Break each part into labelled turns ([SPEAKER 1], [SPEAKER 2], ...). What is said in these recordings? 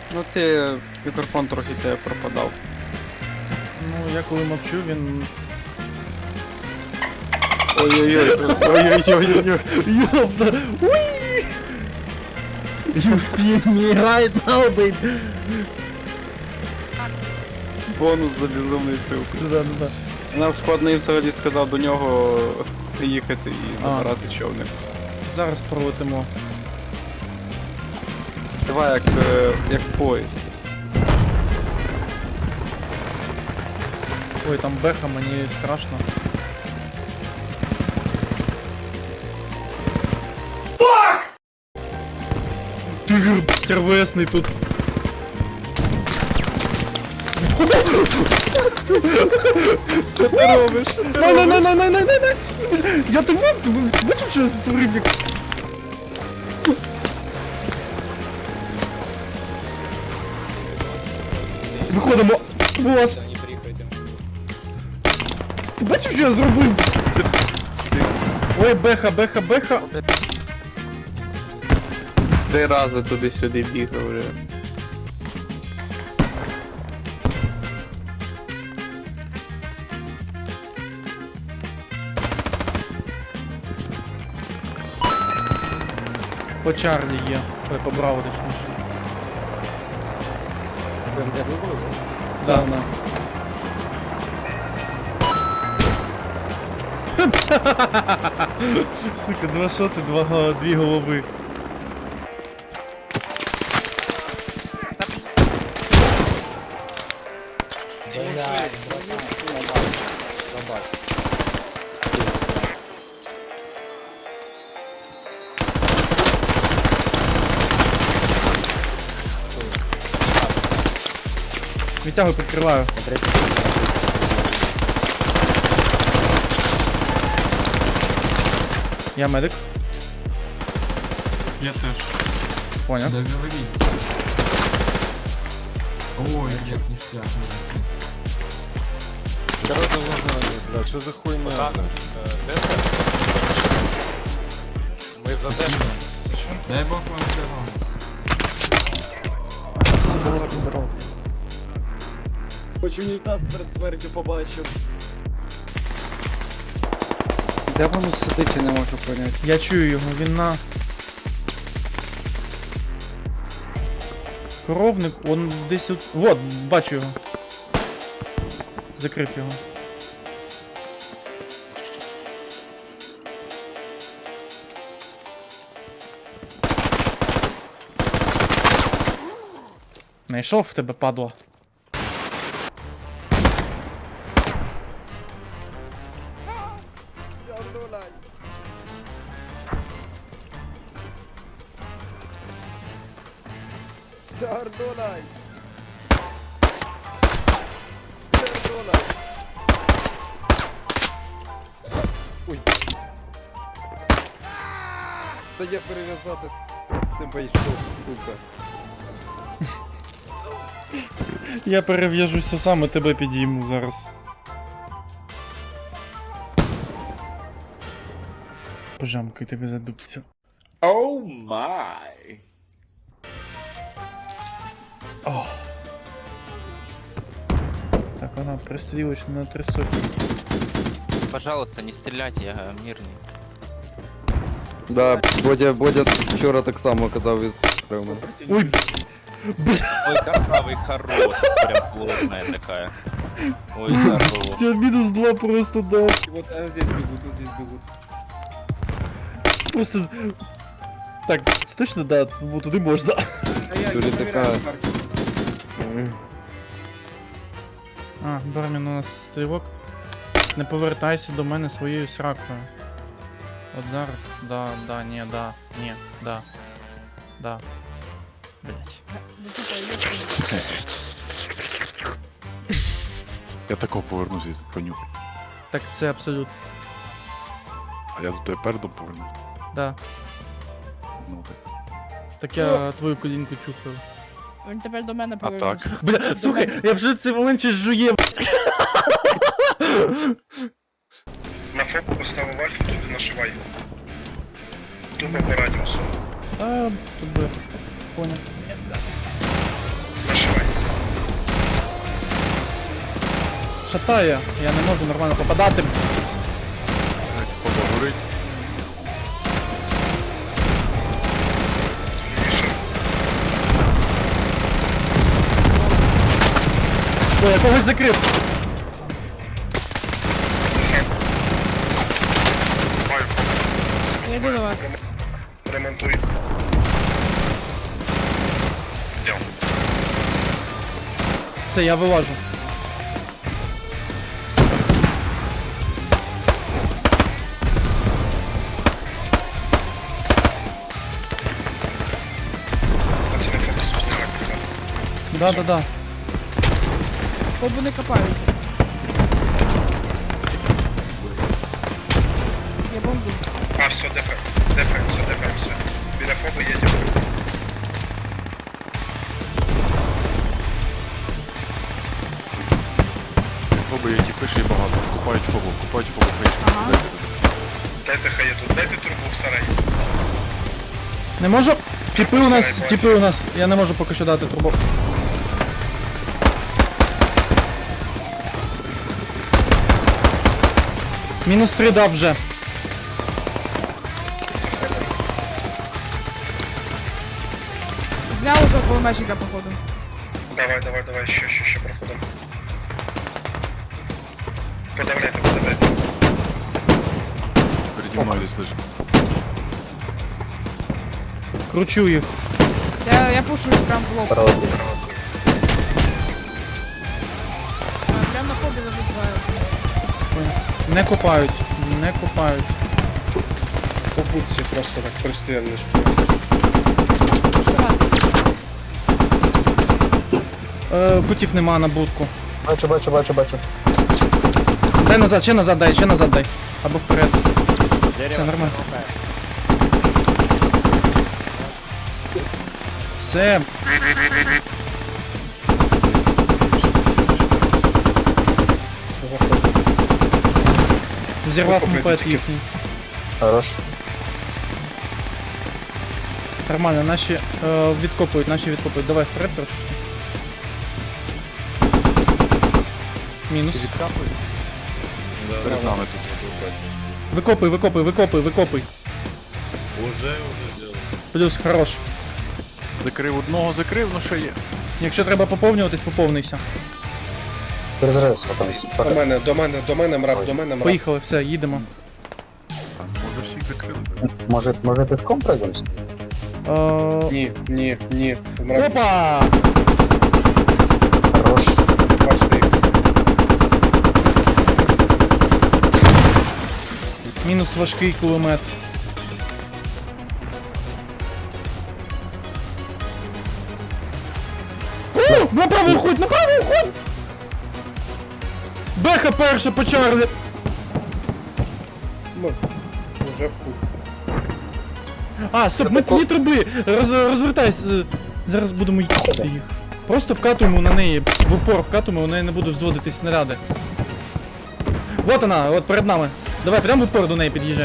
[SPEAKER 1] Ну ти мікрофон трохи тебе пропадав.
[SPEAKER 2] Ну, я коли мовчу, він...
[SPEAKER 1] Ой-ой-ой, ой-ой-ой-ой.
[SPEAKER 2] Ёпта! Уи! You spin me right now, baby!
[SPEAKER 1] Бонус за безумний трюк.
[SPEAKER 2] Да.
[SPEAKER 1] Нам складний взагалі сказав до нього їхати і забирати човник.
[SPEAKER 2] Зараз пролетимо.
[SPEAKER 1] Давай як поїзд.
[SPEAKER 2] Ой, там беха, мені страшно. Тигр тервесний тут.
[SPEAKER 1] Що ти робиш?
[SPEAKER 2] Най. Я тебе бачив, що я створив як... Виходимо. Бос. Ти бачив, що я зробив? Ой, беха.
[SPEAKER 1] 3 рази туди-сюди бігав вже.
[SPEAKER 2] По Чарлі є. Ой, по Браво точніше. Да. Сука, 2 шоти, 2 голови. Відтягую, підкриваю. Я медик.
[SPEAKER 3] Я теж.
[SPEAKER 2] Понял.
[SPEAKER 3] Да говори. Ой, як ніштяк.
[SPEAKER 4] Короче, блядь, что за хуйня? Мы задержаны.
[SPEAKER 3] Дай Бог вам здорово.
[SPEAKER 5] Хоч унітаз перед смертю побачив.
[SPEAKER 1] Де воно сидить, я не можу поняти.
[SPEAKER 2] Я чую його, він на... Коровник, он десь от... Вот, бачу його. Закрив його. Найшов в тебе, падло.
[SPEAKER 5] Скардолай! Ой. Та я перев'язати тебе йшов, сука.
[SPEAKER 2] Я перев'яжуся сам і тебе підійму зараз. Пожамкай тебе за дубцю.
[SPEAKER 6] Oh my!
[SPEAKER 2] О. Так, вона пристрілочна на 3 сотні.
[SPEAKER 7] Пожалуйста, не стреляйте, я мирный.
[SPEAKER 4] Да, Бодя вчора так само казав із мене.
[SPEAKER 2] Ой, бля,
[SPEAKER 7] Ой, картавый хорош, прям плотная такая. Ой, хорош.
[SPEAKER 2] я мінус 2 просто дав.
[SPEAKER 5] Вот здесь бегут, вот здесь бегут.
[SPEAKER 2] Просто... Так, це точно, да, бо туди можна.
[SPEAKER 5] А я
[SPEAKER 4] Дуже
[SPEAKER 5] проверяю
[SPEAKER 4] така-
[SPEAKER 5] на карте.
[SPEAKER 2] А, Бармін у нас стрілок. Не повертайся до мене своєю сракою. От зараз, да. Блять.
[SPEAKER 8] Я тако повернуся, понюхай.
[SPEAKER 2] Так це абсолютно,
[SPEAKER 8] А я до тебе передом поверну.
[SPEAKER 2] да.
[SPEAKER 8] Ну так.
[SPEAKER 2] Так я твою колінку чухаю.
[SPEAKER 9] Він тепер до мене
[SPEAKER 8] А
[SPEAKER 9] повернувся.
[SPEAKER 8] так.
[SPEAKER 2] Бля, слухай, я вже в цей момент щось жує.
[SPEAKER 10] На фоку поставив альфу, туди нашивай. Тупо по радіусу.
[SPEAKER 2] А, тут би. Поняв. шатає, я не можу нормально попадати.
[SPEAKER 8] Фоба горить.
[SPEAKER 2] Ой, я когось закрив.
[SPEAKER 10] Маю
[SPEAKER 9] Я йду до вас.
[SPEAKER 10] ремонтуй. Йдем.
[SPEAKER 2] Все, я вилажу.
[SPEAKER 10] Пацани, фокус піднімати.
[SPEAKER 2] Да.
[SPEAKER 9] Фобу не копають. Я бомжу.
[SPEAKER 10] А, все, дефаемся. Біля фоби їдемо.
[SPEAKER 8] Фоби є тіпи ще й багато. Купають фобу фейшки.
[SPEAKER 9] Ага.
[SPEAKER 10] Дайте хай тут, дайте турбу в сараї.
[SPEAKER 2] Не можу. Тіпи у нас. Я не можу поки що дати трубу. Мінус 3 дав вже.
[SPEAKER 9] Зняв уже кулеметчика, походу.
[SPEAKER 10] Давай, ще проходимо. Подавляйте.
[SPEAKER 8] Переді мною десь лежить.
[SPEAKER 2] Кручу їх.
[SPEAKER 9] Я пушу їх прям в лоб. Прям на фобі лежить двоє.
[SPEAKER 2] Не копають.
[SPEAKER 5] По будці просто так пристрілиш.
[SPEAKER 2] Путів нема на будку.
[SPEAKER 5] Бачу.
[SPEAKER 2] Дай назад, ще назад дай. Або вперед. Все нормально. Все. Взірвав мопед їхній.
[SPEAKER 5] Хорош.
[SPEAKER 2] Нормально, наші відкопують. Давай вперед трошки. Мінус.
[SPEAKER 8] Перед нами тут.
[SPEAKER 2] Викопуй.
[SPEAKER 6] Уже сделал.
[SPEAKER 2] Плюс, хорош.
[SPEAKER 8] Закрив одного, ну ще є.
[SPEAKER 2] Якщо треба поповнюватись, поповнися.
[SPEAKER 5] Перезарядися потім. До мене, мрап.
[SPEAKER 2] Поїхали, все, їдемо.
[SPEAKER 8] А, може всіх закрили.
[SPEAKER 5] Може пішком пройдемося? Ні.
[SPEAKER 2] Опа!
[SPEAKER 5] Хорош.
[SPEAKER 2] Мінус важкий кулемет. О, направо уходь! Беха перша по Чарлі!
[SPEAKER 5] Уже
[SPEAKER 2] А, стоп, ми ні труби! Розвертайся! Зараз будемо їхати їх. Просто вкатуємо на неї, в упор вкатуємо, у неї не будуть взводити снаряди. Вот вона, от перед нами. Давай, прямо в упор до неї під'їжджай.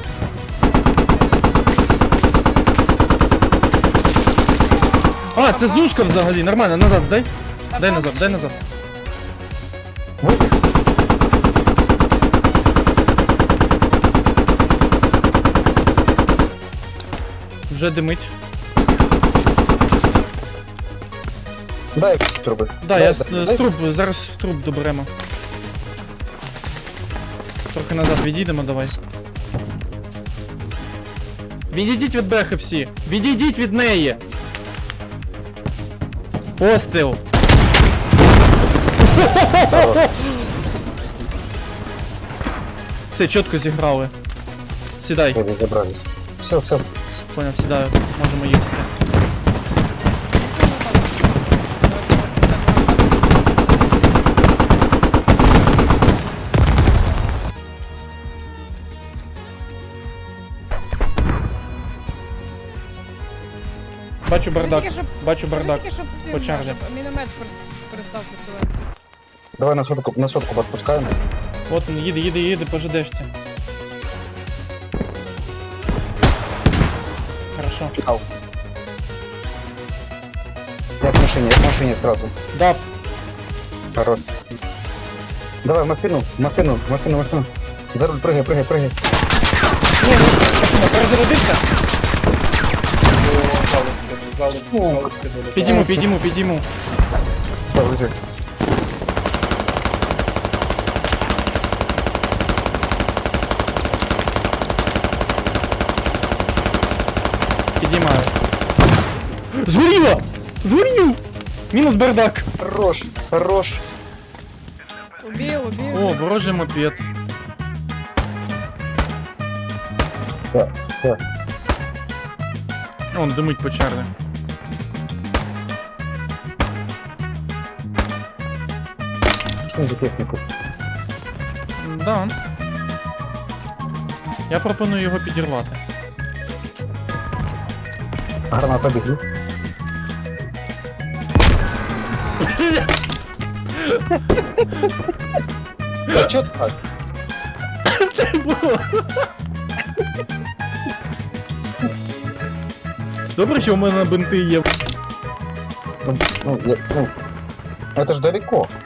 [SPEAKER 2] А, це зушка взагалі, нормально, назад здай. Дай назад. Вже димить.
[SPEAKER 5] Дай труби.
[SPEAKER 2] Да, я з труб, зараз в труб доберемо. Трохи назад відійдемо, давай. Відійдіть від бехи всі! Відійдіть від неї! Постріл! Все, чітко зіграли. Сідай.
[SPEAKER 5] Це забрались. Все.
[SPEAKER 2] Поняв, сідаю. Можемо їхати. Бачу бардак. Бачу бардак.
[SPEAKER 9] Тільки, щоб
[SPEAKER 2] По Чарлі.
[SPEAKER 9] щоб міномет перестав працювати.
[SPEAKER 5] Давай на сотку підпускаємо.
[SPEAKER 2] От він, їде по ЖДшці. Хорошо.
[SPEAKER 5] Ау. Я к машине сразу.
[SPEAKER 2] Дав.
[SPEAKER 5] Хорош. Давай, машину. За руль, прыгай.
[SPEAKER 2] Ні, ну машина, перезарядився. Підійму.
[SPEAKER 5] Давай, лежи.
[SPEAKER 2] Підіймаю. Згорів! Мінус бардак.
[SPEAKER 5] Хорош.
[SPEAKER 9] Убил.
[SPEAKER 2] О, ворожий мопед.
[SPEAKER 5] Так.
[SPEAKER 2] Он димить по чарлі.
[SPEAKER 5] Що за техніку?
[SPEAKER 2] Да. Я пропоную його підірвати.
[SPEAKER 5] Граната бігли. А чо так?
[SPEAKER 2] Добре, що в мене бинти є.
[SPEAKER 5] Ну, это ж далеко.